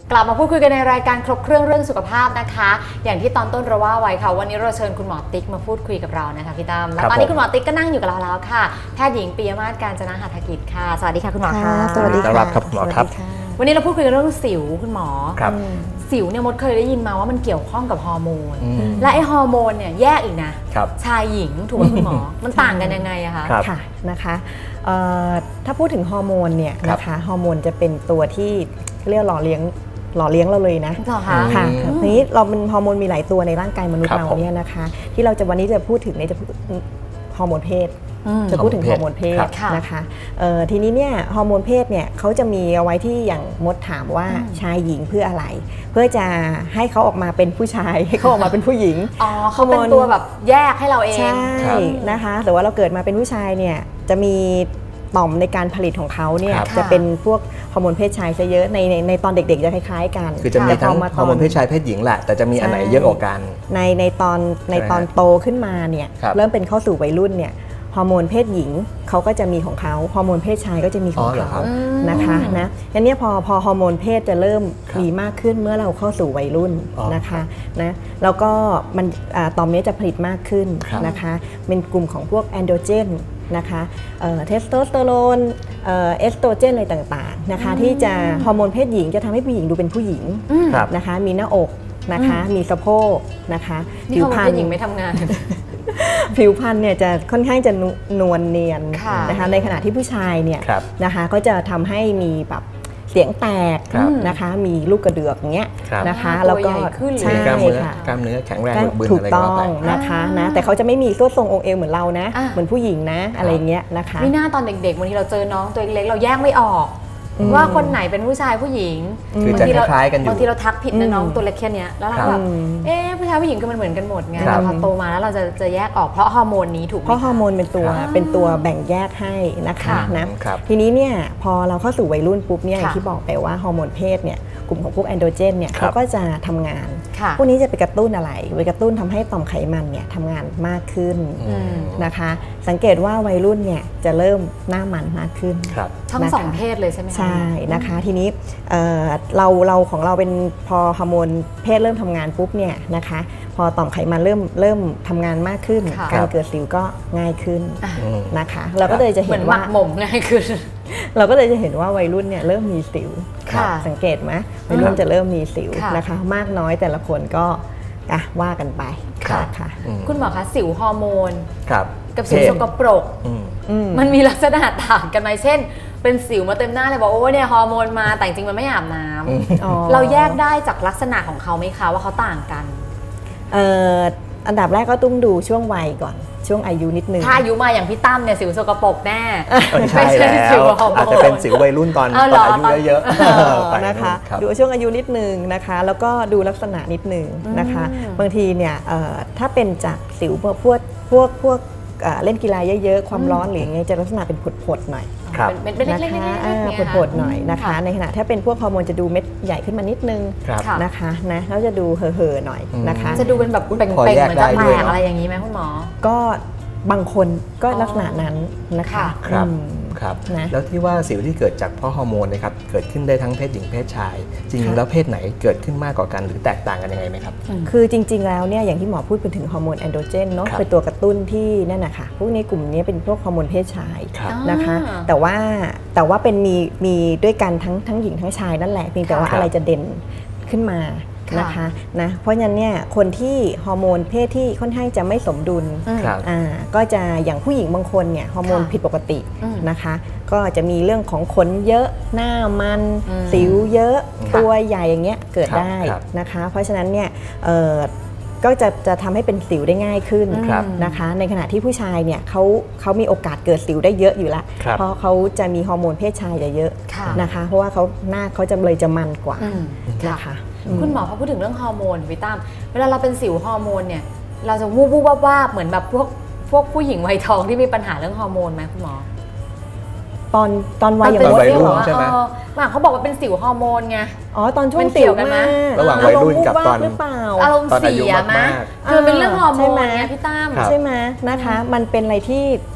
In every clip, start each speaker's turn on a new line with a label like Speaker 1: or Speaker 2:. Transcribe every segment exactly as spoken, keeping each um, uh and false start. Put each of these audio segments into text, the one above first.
Speaker 1: กลับมาพูดคุยกันในรายการครบเครื่องเรื่องสุขภาพนะคะอย่างที่ตอนต้นเราว่าไว้ค่ะวันนี้เราเชิญคุณหมอติ๊กมาพูดคุยกับเรานะคะพี่ตั้มแล้วตอนนี้คุณหมอติ๊กก็นั่งอยู่กับเราแล้วค่ะแพทย์หญิงปิยมาศการจนะหัตถกิจค่ะสวัสดีค่ะคุณหมอค่ะ
Speaker 2: สวัสดีครับคุณหมอครับ
Speaker 1: วันนี้เราพูดคุยกันเรื่องสิวคุณหมอ
Speaker 2: ครับ
Speaker 1: สิวเนี่ยมดเคยได้ยินมาว่ามันเกี่ยวข้องกับฮอร์โมนและไอฮอร์โมนเนี่ยแยกอีกนะชายหญิงถูกไหมคุณหมอมันต่างกันยังไงอะคะ
Speaker 3: ค่ะนะคะถ้าพูดถึงฮอร์โมนเนี่ยนะคะฮอร์โมนจะเป็นตัวที่เรียกหล่อเลี้ยงหล่อเลี้ยงเราเลยนะ
Speaker 1: ค่ะ
Speaker 3: ค่ะทีนี้เราเป็นฮอร์โมนมีหลายตัวในร่างกายมนุษย์เราเนี่ยนะคะที่เราจะวันนี้จะพูดถึงเนี่ยจะพูดฮอร์โมนเพศจะพูดถึงฮอร์โมนเพศนะคะทีนี้เนี่ยฮอร์โมนเพศเนี่ยเขาจะมีเอาไว้ที่อย่างมดถามว่าชายหญิงเพื่ออะไรเพื่อจะให้เขาออกมาเป็นผู้ชายให้เขาออกมาเป็นผู้หญิง
Speaker 1: อ๋อเขาเป็นตัวแบบแยกให้เราเอง
Speaker 3: ใช่นะคะแต่ว่าเราเกิดมาเป็นผู้ชายเนี่ยจะมีต่อมในการผลิตของเขาเนี่ยจะเป็นพวกฮอร์โมนเพศชายซะเยอะในในในตอนเด็กๆจะคล้ายๆกัน
Speaker 2: คือจะมีทั้งฮอร์โมนเพศชายเพศหญิงแหละแต่จะมีอันไหนเยอะกว่ากัน
Speaker 3: ในในตอนในตอนโตขึ้นมาเนี่ยเริ่มเป็นเข้าสู่วัยรุ่นเนี่ยฮอร์โมนเพศหญิงเขาก็จะมีของเขาฮอร์โมนเพศชายก็จะมีของเขานะคะนะงั้นเนี่ยพอพอฮอร์โมนเพศจะเริ่มมีมากขึ้นเมื่อเราเข้าสู่วัยรุ่นนะคะนะแล้วก็มันต่อมนี้จะผลิตมากขึ้นนะคะเป็นกลุ่มของพวกแอนโดรเจนนะคะเทสโทสเตอโรนเอสโตรเจนอะไรต่างๆนะคะที่จะฮอร์โมนเพศหญิงจะทำให้ผู้หญิงดูเป็นผู้หญิงนะคะมีหน้าอกนะคะมีสะโพกนะคะ
Speaker 1: ผิวพรรณหญิงไม่ทำงาน
Speaker 3: ผิวพรรณเนี่ยจะค่อนข้างจะนวลเนียนนะคะในขณะที่ผู้ชายเนี่ยนะคะก็จะทำให้มีแบบเสียงแตกนะคะมีลูกกระเดือกอย่างเงี้ยนะคะแล้วก็
Speaker 1: ใช่
Speaker 3: ค่ะ
Speaker 2: กล้ามเนื้อแข็งแรงบึ
Speaker 3: กถูกต้องนะคะนะแต่เขาจะไม่มีส่วนทรงองค์เอวเหมือนเรานะเหมือนผู้หญิงนะอะไรเงี้ยนะคะ
Speaker 1: ไม่น่าตอนเด็กๆบางทีเราเจอน้องตัวเล็กๆเราแยกไม่ออกว่าคนไหนเป็นผู้ชายผู้หญิง
Speaker 2: คือบางทีเรา
Speaker 1: บางทีเราทักผิดนะน้องตัวเล็กแค่นี้แล้วเราแบบเอ๊ะผู้ชายผู้หญิงก็มันเหมือนกันหมดไงแต่พอโตมาแล้วเราจะจะแยกออกเพราะฮอร์โมนนี้ถูกไหม
Speaker 3: เพราะฮอร์โมนเป็นตัวเป็นตัวแบ่งแยกให้นะคะนะทีนี้เนี่ยพอเราเข้าสู่วัยรุ่นปุ๊บเนี่ยอย่างที่บอกไปว่าฮอร์โมนเพศเนี่ยกลุ่มของพวกแอนโดรเจนเนี่ยเขาก็จะทำงานพวกนี้จะไปกระตุ้นอะไรไปกระตุ้นทำให้ต่อมไขมันเนี่ยทำงานมากขึ้นนะคะสังเกตว่าวัยรุ่นเนี่ยจะเริ่มหน้ามันมากขึ้น
Speaker 1: ทั้งสองเพศเลยใช่ไหม
Speaker 3: ใช่นะคะทีนี้เราเราของเราเป็นพอฮอร์โมนเพศเริ่มทำงานปุ๊บเนี่ยนะคะพอต่อมไขมันเริ่มเริ่มทำงานมากขึ้นการเกิดสิวก็ง่ายขึ้นนะคะเราก็เลยจะเห็นว่า
Speaker 1: หม่มง่ายขึ้น
Speaker 3: เราก็เลยจะเห็นว่าวัยรุ่นเนี่ยเริ่มมีสิวสังเกตไหมวัยรุ่นจะเริ่มมีสิวนะคะมากน้อยแต่ละคนก็ว่ากันไปค่ะ
Speaker 1: คุณหมอคะสิวฮอร์โมนกับสิวสกปรกมันมีลักษณะต่างกันไหมเช่นเป็นสิวมาเต็มหน้าเลยบอกโอ้เนี่ยฮอร์โมนมาแต่จริงมันไม่อาบน้ำเราแยกได้จากลักษณะของเขาไหมคะว่าเขาต่างกัน
Speaker 3: อันดับแรกก็ต้องดูช่วงวัยก่อนช่วงอายุนิดนึง
Speaker 1: ถ้าอายุมาอย่างพี่ตั้มเนี่ยสิวสกปรกแน่
Speaker 2: ใช่แล้วอาจจะเป็นสิววัยรุ่นตอนตอนอายุเยอะ
Speaker 3: ๆนะคะดูช่วงอายุนิดนึงนะคะแล้วก็ดูลักษณะนิดนึงนะคะบางทีเนี่ยถ้าเป็นจากสิวพวกพวกพวกพวกเล่นกีฬาเยอะๆความร้อนหรือไงจะลักษณะเป็นผดๆหน่อยนะคะผดๆหน่อยนะคะในขณะถ้าเป็นพวกฮอร์โมนจะดูเม็ดใหญ่ขึ้นมานิดนึงนะคะนะแล้วจะดูเห่อๆหน่อยนะคะ
Speaker 1: จะดูเป็นแบบเป่งๆเหมือนจะแตกอะไรอย่างนี้ไหมคุณหมอ
Speaker 3: ก็บางคนก็ลักษณะนั้นนะคะ
Speaker 2: ครับครับแล้วที่ว่าสิวที่เกิดจากเพราะฮอร์โมนนะครับเกิดขึ้นได้ทั้งเพศหญิงเพศชายจริงๆแล้วเพศไหนเกิดขึ้นมากกว่ากันหรือแตกต่างกันยังไงไหมครับ
Speaker 3: คือจริงๆแล้วเนี่ยอย่างที่หมอพูดไปถึงฮอร์โมนแอนโดรเจนเนาะเป็นตัวกระตุ้นที่นั่นนะคะพวกนี้กลุ่มนี้เป็นพวกฮอร์โมนเพศชายนะคะแต่ว่าแต่ว่าเป็นมีมีด้วยกันทั้งทั้งหญิงทั้งชายนั่นแหละเพียงแต่ว่าอะไรจะเด่นขึ้นมานะคะนะเพราะฉะนั้นเนี่ยคนที่ฮอร์โมนเพศที่ค่อนข้างจะไม่สมดุลก็จะอย่างผู้หญิงบางคนเนี่ยฮอร์โมนผิดปกตินะคะก็จะมีเรื่องของขนเยอะหน้ามันสิวเยอะตัวใหญ่อย่างเงี้ยเกิดได้นะคะเพราะฉะนั้นเนี่ยก็จะจะทำให้เป็นสิวได้ง่ายขึ้นนะคะในขณะที่ผู้ชายเนี่ยเขาเขามีโอกาสเกิดสิวได้เยอะอยู่แล้วเพราะเขาจะมีฮอร์โมนเพศชายจะเยอะนะคะเพราะว่าเขาหน้าเขาจะเลยจะมันกว่านะคะ
Speaker 1: คุณหมอพอพูดถึงเรื่องฮอร์โมนพี่ตั้มเวลาเราเป็นสิวฮอร์โมนเนี่ยเราจะวูบวูบวาบเหมือนแบบพวกพวกผู้หญิงวัยทองที่มีปัญหาเรื่องฮอร์โมนไหมคุณหมอ
Speaker 3: ตอนตอนวัย
Speaker 2: อย่างวัยรุ่นใช่ไหม
Speaker 1: ว่าเขาบอกว่าเป็นสิวฮอร์โมนไง
Speaker 3: อ๋อตอนช่วงสิวกัน
Speaker 2: นะระหว่างวัยรุ่นกับตอน
Speaker 1: อารมณ์เสียไหมคือเป็นเรื่องฮอร์โมนไงพี่ตั้ม
Speaker 3: ใช่ไหมนะคะมันเป็นอะไรที่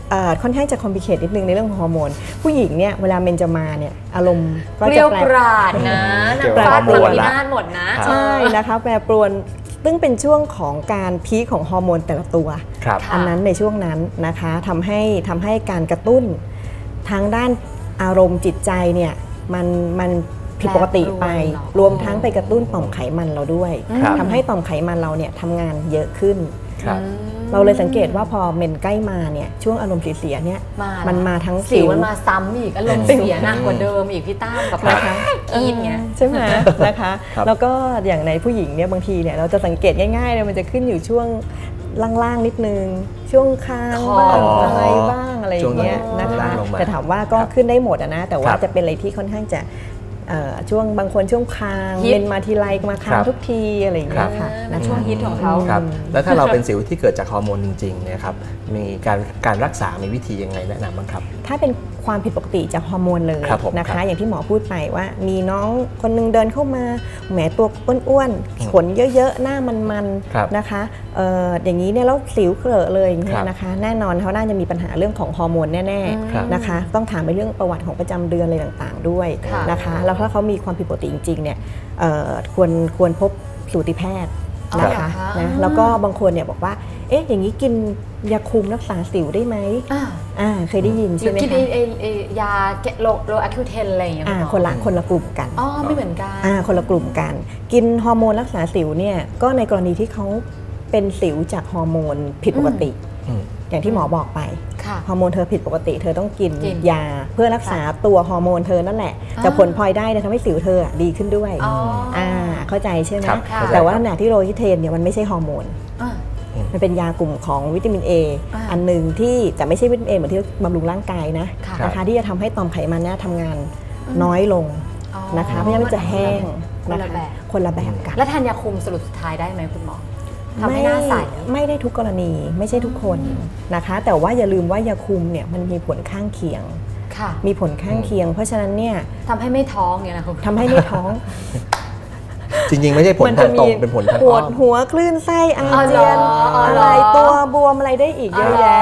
Speaker 3: ค่อนข้างจะคอมพลีเคทนิดนึงในเรื่องของฮอร์โมนผู้หญิงเนี่ยเวลาเมนจะมาเนี่ยอารมณ์ก็
Speaker 1: เกลี
Speaker 3: จะ
Speaker 1: ยว
Speaker 3: แปร
Speaker 1: กราดนะนางฟ้าปรวนนาถหมดนะ
Speaker 3: ใช่นะคะแปรปรวนซึ่งเป็นช่วงของการพีคของฮอร์โมนแต่ละตัวอันนั้นในช่วงนั้นนะคะทำให้ทำให้การกระตุ้นทางด้านอารมณ์จิตใจเนี่ยมันมันผิดปกติไปรวมทั้งไปกระตุ้นต่อมไขมันเราด้วยทำให้ต่อมไขมันเราเนี่ยทำงานเยอะขึ้นเราเลยสังเกตว่าพอเมนใกล้มาเนี่ยช่วงอารมณ์เสียๆเนี่ยมันมาทั้ง
Speaker 1: สิวมันมาซ้ำอีกอารมณ์เสียหนักกว่าเดิมอีกพี่ตั้มกับนะคะอีนเงี้ย
Speaker 3: ใช่ไหมนะคะแล้วก็อย่างในผู้หญิงเนี่ยบางทีเนี่ยเราจะสังเกตง่ายๆเลยมันจะขึ้นอยู่ช่วงล่างๆนิดนึงช่วงคางบ้างอะไรบ้างอะไรอย่างเงี้ยนะคะแต่ถามว่าก็ขึ้นได้หมดนะแต่ว่าจะเป็นอะไรที่ค่อนข้างจะช่วงบางคนช่วงคางเป็นมาทีไรมาคางทุกทีอะไรอย่างเงี้ยค่ะ
Speaker 1: นะช่วงฮิตของเขา
Speaker 2: แล้วถ้าเราเป็นสิวที่เกิดจากฮอร์โมนจริงๆเนี่ยครับมีการการรักษามีวิธียังไงแนะนำบ้างครับ
Speaker 3: ถ้าเป็นความผิดปกติจากฮอร์โมนเลยนะคะอย่างที่หมอพูดไปว่ามีน้องคนนึงเดินเข้ามาแหมตัวอ้วนๆขนเยอะๆหน้ามันๆนะคะอย่างนี้เนี่ยแล้วสิวเกลอะเลยอย่างเงี้ยนะคะแน่นอนเขาน่าจะมีปัญหาเรื่องของฮอร์โมนแน่ๆนะคะต้องถามไปเรื่องประวัติของประจำเดือนอะไรต่างๆด้วยนะคะแล้วถ้าเขามีความผิดปกติจริงๆเนี่ยควรควรพบสูติแพทย์นะคะนะแล้วก็บางคนเนี่ยบอกว่าเอ๊ะอย่างนี้กินยาคุมรักษาสิวได้ไหมอ่าเคยได้ยินใช่ไหมคะ
Speaker 1: กินยาโลโลอะคิวเทนอะไรอย่างเงี้ย
Speaker 3: คนละคนละกลุ่มกัน
Speaker 1: อ๋อไม่เหมือนกัน
Speaker 3: อ่าคนละกลุ่มกันกินฮอร์โมนรักษาสิวเนี่ยก็ในกรณีที่เขาเป็นสิวจากฮอร์โมนผิดปกติอย่างที่หมอบอกไปฮอร์โมนเธอผิดปกติเธอต้องกินยาเพื่อรักษาตัวฮอร์โมนเธอนั่นแหละแต่ผลพลอยได้ทำให้สิวเธอดีขึ้นด้วยอ่าเข้าใจใช่ไหมแต่ว่าขณะที่โรฮิเทนเนี่ยมันไม่ใช่ฮอร์โมนมันเป็นยากลุ่มของวิตามิน A อันหนึ่งที่แต่ไม่ใช่วิตามิน A เหมือนที่บำรุงร่างกายนะนะคะที่จะทำให้ต่อมไขมันเนี่ยทำงานน้อยลงนะคะเพราะฉะนั้นมันจะแห้งนะคะคนละแบบกัน
Speaker 1: แล้วทานยาคุมสรุปสุดท้ายได้ไหมคุณหมอทำให้หน้าใส
Speaker 3: ไม่ได้ทุกกรณีไม่ใช่ทุกคนนะคะแต่ว่าอย่าลืมว่ายาคุมเนี่ยมันมีผลข้างเคียงมีผลข้างเคียงเพราะฉะนั้นเนี่ย
Speaker 1: ทำให้ไม่ท้องเนี่ยนะคุณ
Speaker 3: ทำให้ไม่ท้อง
Speaker 2: จริงๆไม่ใช่ผลทางตรงเป็นผลทางอ้อม
Speaker 3: ปวดหัวคลื่นไส้อาเจียนอะไรตัวบวมอะไรได้อีกเยอะแยะ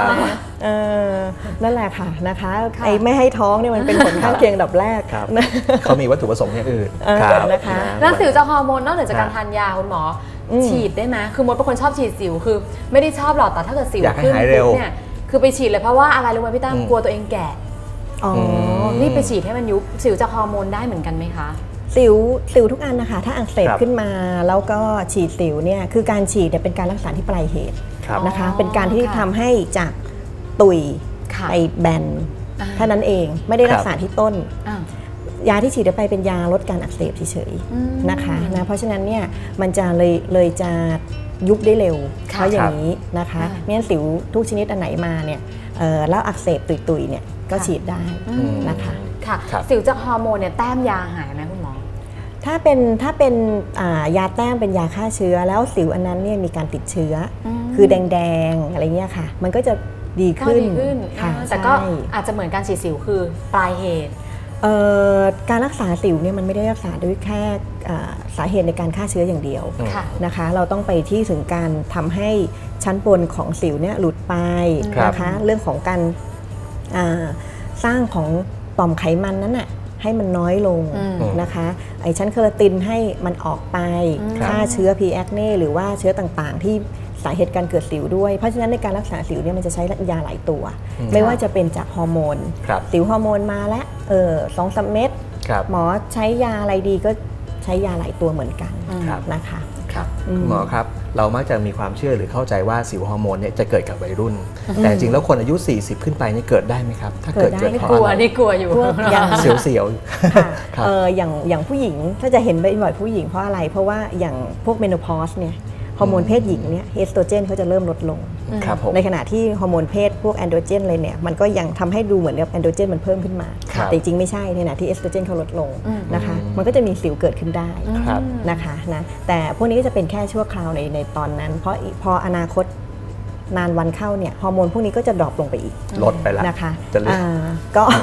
Speaker 3: นั่นแหละค่ะนะคะไอ้ไม่ให้ท้องเนี่ยมันเป็นผลข้างเคียงดับแรก
Speaker 2: เขามีวัตถุประสงค์อย่างอื่น
Speaker 3: นะคะ
Speaker 1: แล้วสิวจากฮอร์โมนนอกจากการทานยาคุณหมอฉีดได้ไหมคือมดเป็นคนชอบฉีดสิวคือไม่ได้ชอบหรอกแต่ถ้าเกิดสิวขึ้นเนี่ยคือไปฉีดเลยเพราะว่าอะไรรู้ไหมพี่ตั้มกลัวตัวเองแก่อ๋อนี่ไปฉีดให้มันยุบสิวจากฮอร์โมนได้เหมือนกันไหมคะ
Speaker 3: สิวสิวทุกอันนะคะถ้าอักเสบขึ้นมาแล้วก็ฉีดสิวเนี่ยคือการฉีดเนี่ยเป็นการรักษาที่ปลายเหตุนะคะเป็นการที่ทำให้จากตุยไปแบนเท่านั้นเองไม่ได้รักษาที่ต้นยาที่ฉีดไปเป็นยาลดการอักเสบเฉยๆนะคะนะเพราะฉะนั้นเนี่ยมันจะเลยเลยจะยุบได้เร็วเพราะอย่างนี้นะคะไม่งั้นสิวทุกชนิดอันไหนมาเนี่ยแล้วอักเสบตุยๆเนี่ยก็ฉีดได้นะคะ
Speaker 1: ค่ะสิวจากฮอร์โมนเนี่ยแต้มยาหายไหมคุณหมอ
Speaker 3: ถ้าเป็นถ้าเป็นยาแต้มเป็นยาฆ่าเชื้อแล้วสิวอันนั้นเนี่ยมีการติดเชื้อคือแดงๆอะไรเงี้ยค่ะมันก็จะดีขึ้น
Speaker 1: ค่ะแต่ก็อาจจะเหมือนการฉีดสิวคือปลายเหตุ
Speaker 3: การรักษาสิวเนี่ยมันไม่ได้รักษาด้วยแค่สาเหตุในการฆ่าเชื้ออย่างเดียวนะคะเราต้องไปที่ถึงการทำให้ชั้นบนของสิวเนี่ยหลุดไปนะคะเรื่องของการสร้างของต่อมไขมันนั้นน่ะให้มันน้อยลงนะคะไอ้ชั้นเคอราตินให้มันออกไปฆ่าเชื้อ พี แอคเน่ หรือว่าเชื้อต่างๆที่สาเหตุการเกิดสิวด้วยเพราะฉะนั้นในการรักษาสิวเนี่ยมันจะใช้ยาหลายตัวไม่ว่าจะเป็นจากฮอร์โมนสิวฮอร์โมนมาแล้วเออสองสามเม็ดหมอใช้ยาอะไรดีก็ใช้ยาหลายตัวเหมือนกันนะคะ
Speaker 2: ครับหมอครับเรามักจะมีความเชื่อหรือเข้าใจว่าสิวฮอร์โมนเนี่ยจะเกิดกับวัยรุ่นแต่จริงแล้วคนอายุสี่สิบขึ้นไปนี่เกิดได้ไหมครับถ้าเกิดเกิดเพราะ
Speaker 1: อะไรนี่กลัวอยู่
Speaker 2: เสียว
Speaker 3: ๆอย่างอย่างผู้หญิงถ้าจะเห็นบ่อยๆผู้หญิงเพราะอะไรเพราะว่าอย่างพวกเมโนพอสเนี่ยฮอร์โมนเพศหญิงเนี่ยเอสโตรเจนเขาจะเริ่มลดลงในขณะที่ฮอร์โมนเพศพวกแอนโดรเจนเลยเนี่ยมันก็ยังทำให้ดูเหมือนกับแอนโดรเจนมันเพิ่มขึ้นมาแต่จริงไม่ใช่ในขณะที่เอสโตรเจนเขาลดลงนะคะมันก็จะมีสิวเกิดขึ้นได้นะคะนะแต่พวกนี้ก็จะเป็นแค่ชั่วคราวในในตอนนั้นเพราะพออนาคตนานวันเข้าเนี่ยฮอร์โมนพวกนี้ก็จะดรอปลงไปอีก
Speaker 2: ลดไปแล้ว
Speaker 3: นะคะก็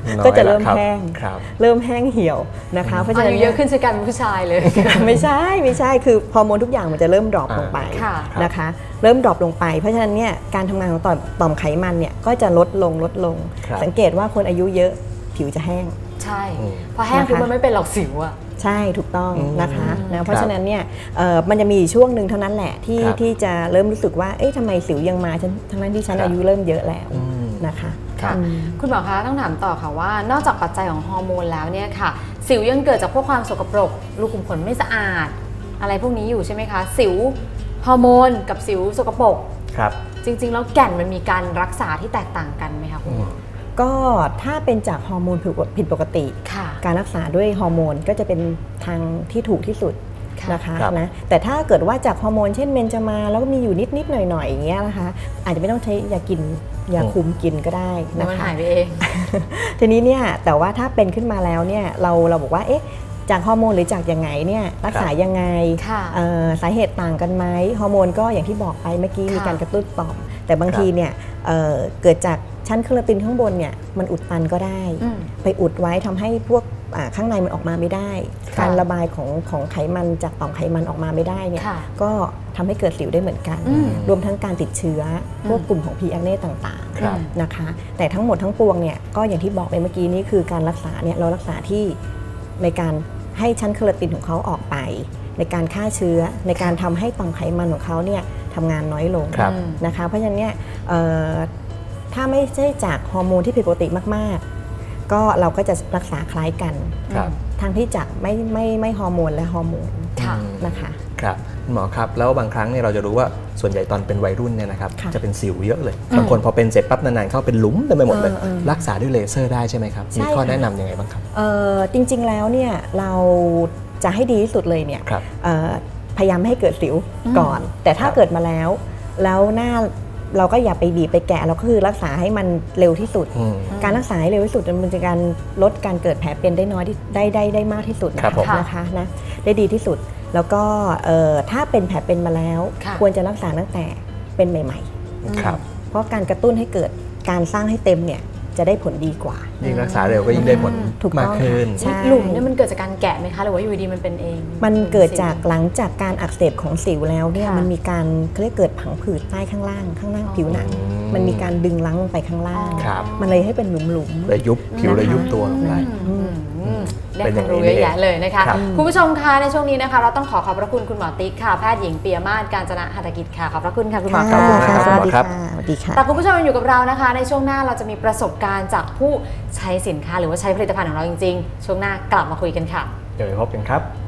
Speaker 3: ก็จะเริ่มแห้ง
Speaker 2: ครับ
Speaker 3: เริ่มแห้งเหี่ยวนะคะเพราะฉะนั้น
Speaker 1: อายุเยอะขึ้นใช่กันผู้ชายเลย
Speaker 3: ไม่ใช่ไม่ใช่คือฮอร์โมนทุกอย่างมันจะเริ่มดรอปลงไป
Speaker 1: ค่ะ
Speaker 3: นะคะเริ่มดรอปลงไปเพราะฉะนั้นเนี่ยการทำงานของต่อมต่อมไขมันเนี่ยก็จะลดลงลดลง
Speaker 2: ครับ
Speaker 3: สังเกตว่าคนอายุเยอะผิวจะแห้ง
Speaker 1: ใช่พอแห้งคือมันไม่เป็นหรอกสิวอะ
Speaker 3: ใช่ถูกต้อง
Speaker 2: อืม
Speaker 3: นะคะนะเพ
Speaker 2: ค
Speaker 3: ราะ
Speaker 2: รับ
Speaker 3: ฉะนั้นเนี่ยเอ่อมันจะมีช่วงหนึ่งเท่านั้นแหละที่
Speaker 2: ครับ
Speaker 3: ที่จะเริ่มรู้สึกว่าเอ๊ะทำไมสิวยังมาฉันทั้งนั้นที่ฉัน
Speaker 2: ครับ
Speaker 3: อายุเริ่มเยอะแล้ว
Speaker 2: อืม
Speaker 3: นะคะ
Speaker 1: ค่ะ
Speaker 3: อืม
Speaker 1: คุณหมอคะต้องถามต่อค่ะว่านอกจากปัจจัยของฮอร์โมนแล้วเนี่ยค่ะ สิวยังเกิดจากพวกความสกปรกรูขุมขนไม่สะอาด อะไรพวกนี้อยู่ใช่ไหมคะสิวฮอร์โมนกับสิวสกปรก
Speaker 2: ครับ
Speaker 1: จริงๆแล้วแก่นมันมีการรักษาที่แตกต่างกันไหมคะคุณหมอ
Speaker 3: ก็ถ้าเป็นจากฮอร์โมนผิดปกติ
Speaker 1: ค่ะ
Speaker 3: การรักษาด้วยฮอร์โมนก็จะเป็นทางที่ถูกที่สุด
Speaker 1: ค่ะ
Speaker 3: นะคะ
Speaker 2: ครับ
Speaker 3: นะแต่ถ้าเกิดว่าจากฮอร์โมนเช่นเมนจามาแล้วก็มีอยู่นิดๆหน่อยๆอย่างเงี้ยนะคะอาจจะไม่ต้องใช้ยากินยาคุมกินก็ได้
Speaker 1: แล้
Speaker 3: นะ
Speaker 1: วมัน
Speaker 3: คะ
Speaker 1: หายไปเอง
Speaker 3: ทีนี้เนี่ยแต่ว่าถ้าเป็นขึ้นมาแล้วเนี่ยเราเราบอกว่าเอ๊ะจากฮอร์โมนหรือจากยังไงเนี่ยรักษายังไง
Speaker 1: ค่ะ
Speaker 3: เอ่อสาเหตุต่างกันไหมฮอร์โมนก็อย่างที่บอกไปเมื่อกี้
Speaker 1: ค่ะ
Speaker 3: มีการกระตุ้นต่อมแต่บาง
Speaker 2: ครับ
Speaker 3: ทีเนี่ยเอ่อเกิดจากชั้นเคอราตินข้างบนเนี่ยมันอุดตันก็ได้
Speaker 1: อืม
Speaker 3: ไปอุดไว้ทำให้พวกอ่าข้างในมันออกมาไม่ได้
Speaker 1: ค่ะ
Speaker 3: การระบายของของไขมันจากต่อมไขมันออกมาไม่ได้เนี่ย
Speaker 1: ค่ะ
Speaker 3: ก็ทำให้เกิดสิวได้เหมือนกัน
Speaker 1: อืม
Speaker 3: รวมทั้งการติดเชื้อพวกกลุ่มของ พี แอคเน่ต่าง
Speaker 2: ครับ
Speaker 3: ๆนะคะแต่ทั้งหมดทั้งปวงเนี่ยก็อย่างที่บอกไปเมื่อกี้นี้คือการรักษาเนี่ยเรารักษาที่ในการให้ชั้นเคอราตินของเขาออกไป ในการฆ่าเชื้อในการทำให้ต่อมไขมันของเขาเนี่ยทำงานน้อยลง
Speaker 2: ครับ
Speaker 3: นะคะเพราะฉะนั้นเนี่ยเอ่อถ้าไม่ใช่จากฮอร์โมนที่ผิดปกติมากๆ ก็เราก็จะรักษาคล้ายกัน
Speaker 2: ครับ
Speaker 3: ทางที่จากไม่ไม่ไม่ฮอร์โมนและฮอร์โมน
Speaker 1: ค่ะ
Speaker 3: นะคะ
Speaker 2: ครับคุณหมอครับแล้วบางครั้งเนี่ยเราจะรู้ว่าส่วนใหญ่ตอนเป็นวัยรุ่นเนี่ยนะครับ
Speaker 3: ค่ะ
Speaker 2: จะเป็นสิวเยอะเลยบางคนพอเป็นเสร็จปั๊บนานๆเข้าเป็นหลุมเต็มไปหมดเลย
Speaker 3: เออเออ
Speaker 2: รักษาด้วยเลเซอร์ได้ใช่ไหมครับ
Speaker 3: ใช่
Speaker 2: มีข้อ
Speaker 3: ค่ะ
Speaker 2: แนะนำยังไงบ้างครับ
Speaker 3: เอ่อจริงๆแล้วเนี่ยเราจะให้ดีที่สุดเลยเนี่ย
Speaker 2: ครับ
Speaker 3: เอ่อพยายามไม่ให้เกิดสิว
Speaker 1: อืม
Speaker 3: ก่อน แต่ถ้า
Speaker 2: ครับ
Speaker 3: เกิดมาแล้ว แล้วหน้าเราก็อย่าไปบีบไปแกะเราก็คือรักษาให้มันเร็วที่สุด
Speaker 2: อืม
Speaker 3: การรักษาให้เร็วที่สุดมันจะการลดการเกิดแผลเป็นได้น้อยที่ได้ได้ได้มากที่สุดนะครับ
Speaker 2: ผม
Speaker 3: นะคะนะได้ดีที่สุด แล้วก็เอ่อถ้าเป็นแผลเป็นมาแล้ว
Speaker 1: ค่ะ
Speaker 3: ควรจะรักษาตั้งแต่เป็นใหม่
Speaker 2: ครับ
Speaker 3: ๆ เพราะการกระตุ้นให้เกิดการสร้างให้เต็มเนี่ยจะได้ผลดีกว่า
Speaker 2: ยิ่งรักษาเร็วก็ยิ่งได้ผล
Speaker 3: ถูกต้อง
Speaker 2: มากขึ้น
Speaker 3: ใช่
Speaker 1: หลุมเนี่ยมันเกิดจากการแกะไหมคะหรือว่าอยู่ดีๆมันเป็นเอง
Speaker 3: มันเกิดจากหลังจากการอักเสบของสิวแล้วเนี่ย
Speaker 1: ค่ะ
Speaker 3: มันมีการเขาเรียกเกิดผังผืดใต้ข้างล่างข้างล่าง
Speaker 1: อ๋อ
Speaker 3: ผิวหนัง
Speaker 2: อืม
Speaker 3: มันมีการดึงลังลงไปข้างล่าง
Speaker 2: ครับ
Speaker 3: มันเลยให้เป็นหลุมหลุมๆ
Speaker 2: เลยยุบผิวเลยยุบตัวลงไป
Speaker 1: อืมอืมได้
Speaker 2: เป็น
Speaker 1: ค
Speaker 2: อย่าว
Speaker 1: าม
Speaker 2: งนี้
Speaker 1: รู้เยอะ
Speaker 2: นี่
Speaker 1: แยะเลยนะคะ
Speaker 2: ครับ
Speaker 1: คุณผู้ชมคะในช่วงนี้นะคะ เราต้องขอขอบพระคุณคุณหมอติ๊กค่ะแพทย์หญิงปียมาศการจนะหัตถกิจค่ะขอบพระคุณค่ะคุณหมอ
Speaker 2: ขอบคุณมาก
Speaker 3: ค่ะ
Speaker 2: ครับ
Speaker 3: สวัสดี
Speaker 2: ครั
Speaker 3: ค่ะ
Speaker 2: บ
Speaker 3: สวัสดีค่ะ
Speaker 1: แต่คุณผู้ชมยังอยู่กับเรานะคะ ในช่วงหน้าเราจะมีประสบการณ์จากผู้ใช้สินค้าหรือว่าใช้ผลิตภัณฑ์ของเราจริงๆ ช่วงหน้ากลับมาคุยกันค่ะ
Speaker 2: เดี๋ยวไปพบกันครับ